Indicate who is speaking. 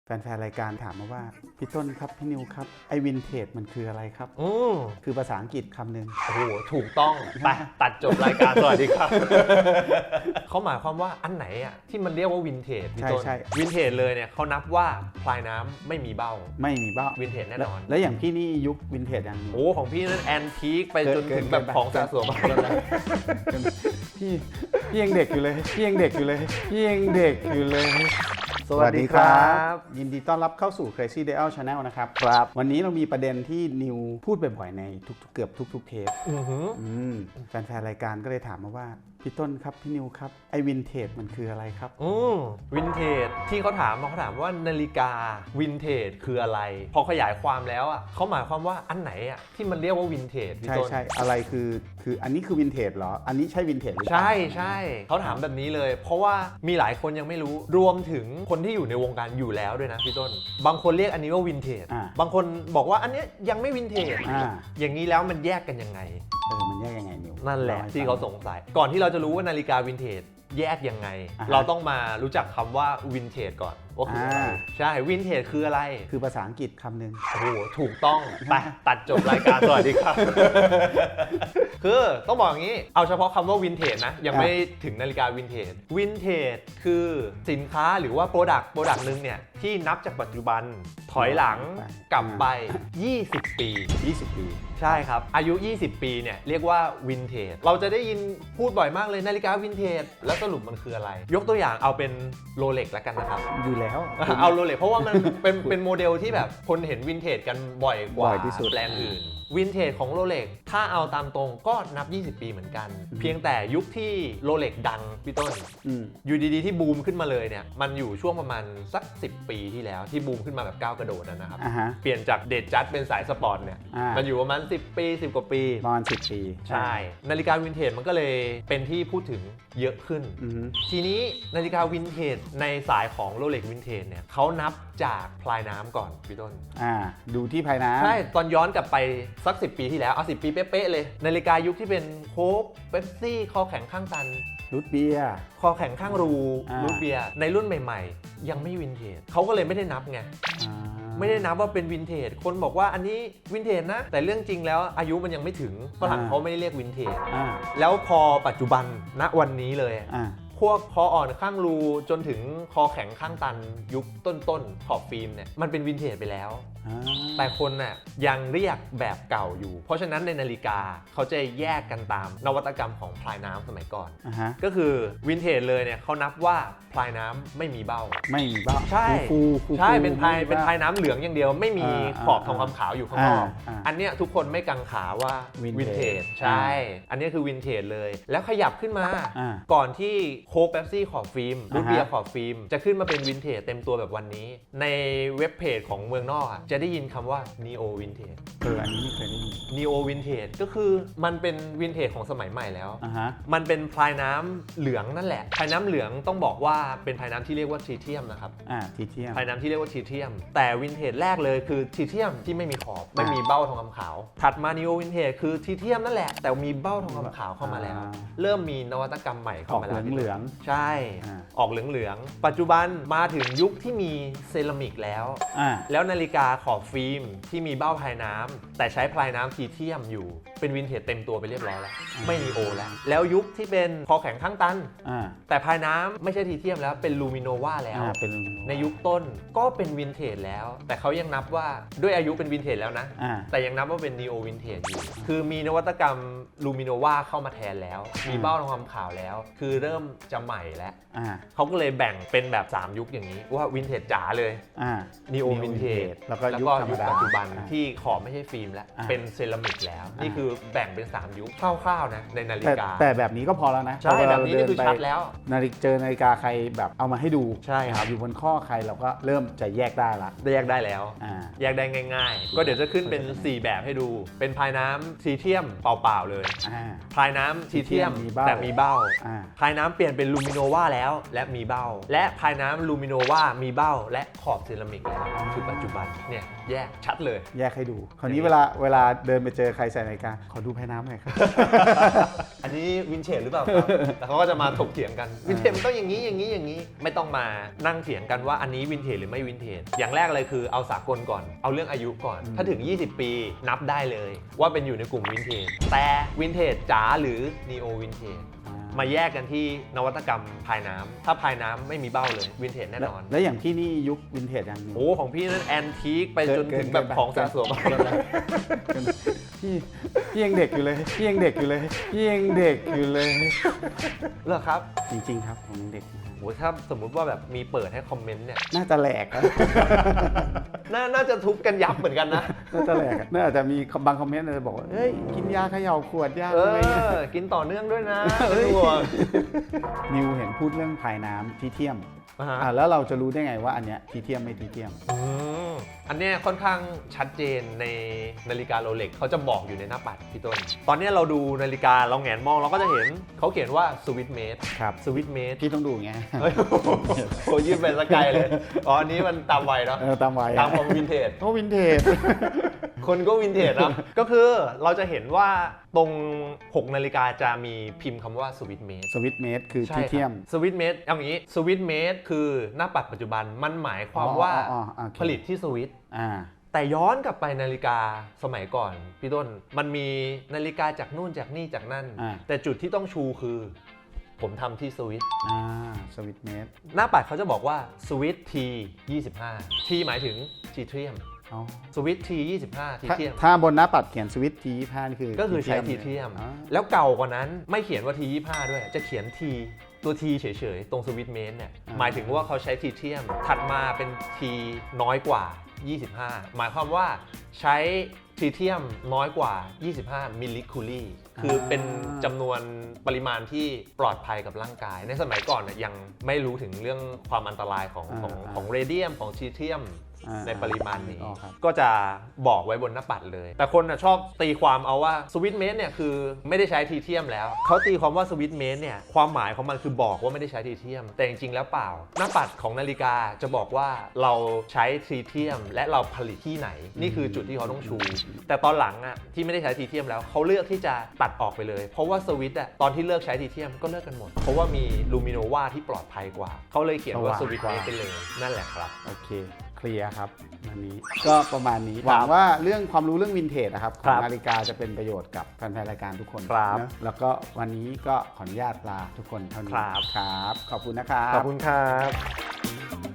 Speaker 1: แฟนๆรายการถามมาว่าพี่ต้นครับพี่นิวครับไอ้วินเทจมันคืออะไรครับคือภาษาอังกฤษคำหนึ่ง
Speaker 2: โอ้โหถูกต้องไปตัดจบรายการสวัสดีครับ เขาหมายความว่าอันไหนอ่ะที่มันเรียกว่าวินเทจพี่ต้น
Speaker 1: ใช่
Speaker 2: วินเทจเลยเนี่ยเขานับว่าพลายน้ำไม่มีเบ้า
Speaker 1: ไม่มีเบ้า
Speaker 2: วินเทจแน่นอน
Speaker 1: แล้วอย่างพี่นี่ยุควินเทจยัง
Speaker 2: โอ้ของพี่นั้นแอนทีคไปจนถึงแบบของสะสม
Speaker 1: พี่ยังเด็กอยู่เลยพี่ยังเด็กอยู่เลยพี่ยังเด็กอยู่เลย
Speaker 2: สวัสดีครับ
Speaker 1: ยินดีต้อนรับเข้าสู่ Crazy Dial Channel นะครับ
Speaker 2: ครับ
Speaker 1: วันนี้เรามีประเด็นที่นิวพูดบ่อยๆในเกือบทุกๆเทป แฟนๆรายการก็เลยถามมาว่าพี่ต้นครับพี่นิวครับไอ้วินเทจมันคืออะไรครับ
Speaker 2: วินเทจที่เขาถามว่านาฬิกาวินเทจคืออะไรพอขยายความแล้วอ่ะเขาหมายความว่าอันไหนอ่ะที่มันเรียกว่าวินเทจพี่ต้น
Speaker 1: ใช่อะไรคืออันนี้คือวินเทจเหรออันนี้ใช่วินเทจหรือเปล่า
Speaker 2: ใช่เขาถามแบบนี้เลย เพราะว่ามีหลายคนยังไม่รู้รวมถึงคนที่อยู่ในวงการอยู่แล้วด้วยนะพี่ต้นบางคนเรียกอันนี้ว่าวินเทจบางคนบอกว่าอันนี้ยังไม่วินเทจอย่างนี้แล้วมันแยกกันยังไง
Speaker 1: มันแยกยังไงนิว
Speaker 2: นั่นแหละที่เขาสงสัยก่อนที่เราจะรู้ว่านาฬิกาวินเทจแยกยังไงเราต้องมารู้จักคำว่าวินเทจก่อนว่าคืออะไรใช่วินเทจคืออะไร
Speaker 1: คือภาษาอังกฤษคำหนึ่ง
Speaker 2: โอ้โหถูกต้องไปตัดจบรายการสวัสดีครับ คือต้องบอกอย่างนี้เอาเฉพาะคำว่าวินเทจนะยังไม่ถึงนาฬิกาวินเทจวินเทจคือสินค้าหรือว่าโปรดักต์นึงเนี่ยที่นับจากปัจจุบันถอยหลังกลับไป20 ปี
Speaker 1: 20 ปี
Speaker 2: ใช่ครับอายุ 20 ปีเนี่ยเรียกว่าวินเทจเราจะได้ยินพูดบ่อยมากเลยนาฬิกาวินเทจแล้วสรุปมันคืออะไรยกตัวอย่างเอาเป็นโรเล็กแล้วกันนะครับ
Speaker 1: อยู่แล้ว
Speaker 2: เอาโรเล็กเพราะว่ามันเป็นโมเดลที่แบบคนเห็นวินเทจกันบ่อยกว่า
Speaker 1: ที่สุด
Speaker 2: แบรนด์อื่นวินเทจของโรเล็กถ้าเอาตามตรงก็นับ20 ปีเหมือนกันเพียงแต่ยุคที่โรเล็กดังพี่ต้นอยู่ดีๆที่บูมขึ้นมาเลยเนี่ยมันอยู่ช่วงประมาณสัก10 ปีที่แล้วที่บูมขึ้นมาแบบก้าวกระโดดนะครับเปลี่ยนจากเดดจัดเป็นสายสปอร์ตเนี่ยมันอยู่ประมาณ10 ปี10 กว่าปี
Speaker 1: ประมาณ10 ปี
Speaker 2: ใช่นาฬิกาวินเทจมันก็เลยเป็นที่พูดถึงเยอะขึ้นทีนี้นาฬิกาวินเทจในสายของโรเล็กวินเทจเนี่ยเขานับจากพลายน้ำก่อนพี่ต้น
Speaker 1: ดูที่พลายน้ำ
Speaker 2: ใช่ตอนย้อนกลับไปสัก10 ปีที่แล้วเอา10 ปีเป๊ะๆเลยนาฬิกายุคที่เป็นโค้กเป๊ปซี่คอแข็งข้างตัน
Speaker 1: รูทเบียร์
Speaker 2: คอแข็งข้างรูทเบียร์ในรุ่นใหม่ๆยังไม่วินเทจเขาก็เลยไม่ได้นับไงไม่ได้นับว่าเป็นวินเทจคนบอกว่าอันนี้วินเทจนะแต่เรื่องจริงแล้วอายุมันยังไม่ถึงฝรั่งเขาไม่ได้เรียกวินเทจแล้วพอปัจจุบันณวันนี้เลยพวกคออ่อนข้างรูจนถึงคอแข็งข้างตันยุคต้นขอบฟิล์มเนี่ยมันเป็นวินเทจไปแล้วแต่คนน่ะยังเรียกแบบเก่าอยู่เพราะฉะนั้นในนาฬิกาเขาจะแยกกันตามนวัตกรรมของพลายน้ำสมัยก่อนก็คือวินเทจเลยเนี่ยเขานับว่าพลายน้ำไม่มีเบ้าใช่ใช่เป็นพลายน้ำเหลืองอย่างเดียวไม่มีขอบทองคำขาวอยู่ข้างนอกอันเนี้ยทุกคนไม่กังขาว่าวินเทจใช่อันนี้คือวินเทจเลยแล้วขยับขึ้นมาก่อนที่โค้กเป๊ปซี่ขอบฟิล์มรูทเบียร์ขอบฟิล์มจะขึ้นมาเป็นวินเทจเต็มตัวแบบวันนี้ในเว็บเพจของเมืองนอกจะได้ยินคำว่า Neo Vintage
Speaker 1: อันนี้ไม่เคยได้ยิน
Speaker 2: Neo Vintage ก็คือมันเป็นวินเทจของสมัยใหม่แล้วมันเป็นพลายน้ำเหลืองนั่นแหละพลายน้ำเหลืองต้องบอกว่าเป็นพลายน้ำที่เรียกว่าทรีเทียมนะครับ
Speaker 1: ทรีเทียม
Speaker 2: พลายน้ำที่เรียกว่าทรีเทียมแต่วินเทจแรกเลยคือทรีเทียมที่ไม่มีขอบไม่มีเบ้าทองคำขาวถัดมา Neo Vintage คือทรีเทียมนั่นแหละแต่มีเบ้าทองคำขาวเข้ามาแล้วเริ่มมีนวัตกรรมใหม่เข้ามาแล้ว
Speaker 1: เหลือง
Speaker 2: ใช่ออกเหลืองปัจจุบันมาถึงยุคที่มีเซรามิกแล้วนาฬิกาขอบฟิล์มที่มีเบ้าพลายน้ำแต่ใช้พลายน้ำทีเทียมอยู่เป็นวินเทจเต็มตัวไปเรียบร้อยแล้วไม่มีโอแล้วยุคที่เป็นคอแข็งข้างตันแต่พลายน้ำไม่ใช่ทีเทียมแล้วเป็นลูมิโนวาแล้วในยุคต้นก็เป็นวินเทจแล้วแต่เขายังนับว่าด้วยอายุเป็นวินเทจแล้วนะแต่ยังนับว่าเป็นนีโอวินเทจอยู่คือมีนวัตกรรมลูมิโนวาเข้ามาแทนแล้วมีเบ้าทองคำขาวแล้วคือเริ่มจะใหม่แล้วเขาก็เลยแบ่งเป็นแบบ3ยุคอย่างนี้ว่าวินเทจจ๋าเลยนีโอวินเทจแล้วก็ยุคปัจจุบันที่ขอบไม่ใช่ฟิล์มแล้วเป็นเซรามิกแล้วนี่คือแบ่งเป็น3ยุคคร่าวๆนะในนาฬิกา
Speaker 1: แต่แบบนี้ก็พอแล้วนะ
Speaker 2: ใช่แบบนี้นี่คือชัดแล้ว
Speaker 1: เจอนาฬิกาใครแบบเอามาให้ดู
Speaker 2: ใช่ครับ
Speaker 1: อยู่บนข้อใครเราก็เริ่มจะแยกได้ละ
Speaker 2: แยกได้แล้วแยกได้ง่ายๆก็เดี๋ยวจะขึ้นเป็น4แบบให้ดูเป็นพลายน้ำทรีเทียมเปล่าๆเลยพลายน้ำทรีเทียมแต่มีเบ้าพลายน้ำเปลี่ยนเป็นลูมิโนวาแล้วและมีเบ้าและพลายน้ำลูมิโนวามีเบ้าและขอบเซรามิกแล้วคือปัจจุบันเนี่ยแยกชัดเลย
Speaker 1: แยกให้ดูคราวนี้เวลาเดินไปเจอใครใส่นาฬิกาขอดูภายน้ำหน่อยครับ
Speaker 2: อันนี้วินเทจหรือเปล่าครับแล้วเขาก็จะมาถกเถียงกันวินเทจมันต้องอย่างนี้อย่างนี้อย่างนี้ไม่ต้องมานั่งเถียงกันว่าอันนี้วินเทจหรือไม่วินเทจอย่างแรกเลยคือเอาสากลก่อนเอาเรื่องอายุก่อนถ้าถึง 20 ปีนับได้เลยว่าเป็นอยู่ในกลุ่มวินเทจแต่วินเทจจ๋าหรือนีโอวินเทจมาแยกกันที่นวัตกรรมภายน้ำถ้าภายน้ำไม่มีเบ้าเลยวินเทจแน่นอน
Speaker 1: แล้วอย่างพี่นี่ยุควินเทจยังนิว
Speaker 2: โอ้ของพี่นั่นแอนทีคไปจนถึงแบบของสะสม
Speaker 1: พี่ยังเด็กอยู่เลยพี่ยังเด็กอยู่เลยพี่ยังเด็กอยู่เลย
Speaker 2: เหรอครับ
Speaker 1: จริงๆครับผมยังเด็กอยู่
Speaker 2: โอ้ถ้าสมมุติว่าแบบมีเปิดให้คอมเมนต์เนี่ย
Speaker 1: น่าจะแหลกนะ
Speaker 2: น่าจะทุบกันยับเหมือนกันนะ
Speaker 1: น่าจะแหลกน่าจะมีบางคอมเมนต์จะบอกว่าเฮ้ยกินยาเขย่าขวดยาอะไรเงี้ย
Speaker 2: กินต่อเนื่องด้วยนะ
Speaker 1: นิวเห็นพูดเรื่องภายน้ำทีเทียม
Speaker 2: อ่าฮะ
Speaker 1: แล้วเราจะรู้ได้ไงว่าอันเนี้ยทีเทียมไม่ทีเทียม
Speaker 2: อันเนี้ยค่อนข้างชัดเจนในนาฬิกาโรเล็กเขาจะบอกอยู่ในหน้าปัดพี่ต้น ตอนเนี้ยเราดูนาฬิกาเราแหงนมองเราก็จะเห็นเขาเขียนว่าสวิตเมด
Speaker 1: ครับ
Speaker 2: สวิตเมด
Speaker 1: พี่ต้องดูไง
Speaker 2: เฮ้ยโหยืดไปสกายเลยอ๋ออันนี้มันตามวัยเนาะ
Speaker 1: ตามวัย
Speaker 2: ตามความวินเทจ
Speaker 1: โอ้วินเทจ
Speaker 2: คนก็วินเทจนะ ก็คือเราจะเห็นว่าตรง 6 นาฬิกาจะมีพิมพ์คำว่าสวิตเมด
Speaker 1: สวิตเมดคือทีเทียม
Speaker 2: สวิตเมดเอาอย่างนี้สวิตเมดคือหน้าปัดปัจจุบันมันหมายความว่า
Speaker 1: โอเค
Speaker 2: ผลิตที่สวิต
Speaker 1: อ่า
Speaker 2: แต่ย้อนกลับไปนาฬิกาสมัยก่อนพี่ต้นมันมีนาฬิกาจากนู่นจากนี่จากนั่น แต่จุดที่ต้องชูคือ ผมทำที่สวิต
Speaker 1: สวิตเมด
Speaker 2: หน้าปัดเขาจะบอกว่าสวิต T 25 T หมายถึงทีเทียมสวิต T 25ทีเทียม
Speaker 1: ถ้าบนหน้าปัดเขียนสวิตที25นี่คือ
Speaker 2: ก็คือใช้ทีเทียม แล้วเก่ากว่านั้นไม่เขียนว่า T25 ด้วย จะเขียน T ตัว T เฉยๆ ตรงสวิตเมนเนี่ยหมายถึงว่าเขาใช้ทีเทียม ถัดมาเป็น T น้อยกว่า 25 หมายความว่าใช้ทีเทียมน้อยกว่า 25 มิลลิคูลี่คือเป็นจำนวนปริมาณที่ปลอดภัยกับร่างกาย ในสมัยก่อนเนี่ยยังไม่รู้ถึงเรื่องความอันตรายของเรเดียมของทีเทียมในปริมาณนี้ก็จะบอกไว้บนหน้าปัดเลย แต่คนชอบตีความเอาว่าสวิตเมนเนี่ยคือไม่ได้ใช้ทีเทียมแล้วเขาตีความว่าสวิตเมนเนี่ยความหมายของมันคือบอกว่าไม่ได้ใช้ทีเทียมแต่จริงๆแล้วเปล่าหน้าปัดของนาฬิกาจะบอกว่าเราใช้ทีเทียมและเราผลิตที่ไหนนี่คือจุดที่เขาต้องชู แต่ตอนหลังอ่ะที่ไม่ได้ใช้ทีเทียมแล้วเขาเลือกที่จะตัดออกไปเลยเพราะว่าสวิตอ่ะตอนที่เลิกใช้ทีเทียมก็เลิกกันหมดเพราะว่ามีลูมิโนวาที่ปลอดภัยกว่าเขาเลยเขียนว่าสวิตเมนไปเลยนั่นแหละครับ
Speaker 1: โอเคเคลียร์ครับวันนี้ก็ประมาณนี้หวังว่าเรื่องความรู้เรื่องวินเทจนะครับของนาฬิกาจะเป็นประโยชน์กับแฟนๆรายการทุกคนนะแล้วก็วันนี้ก็ขออนุญาตลาทุกคนเท่านี้ครับขอบคุณนะครับ
Speaker 2: ขอบคุณครับ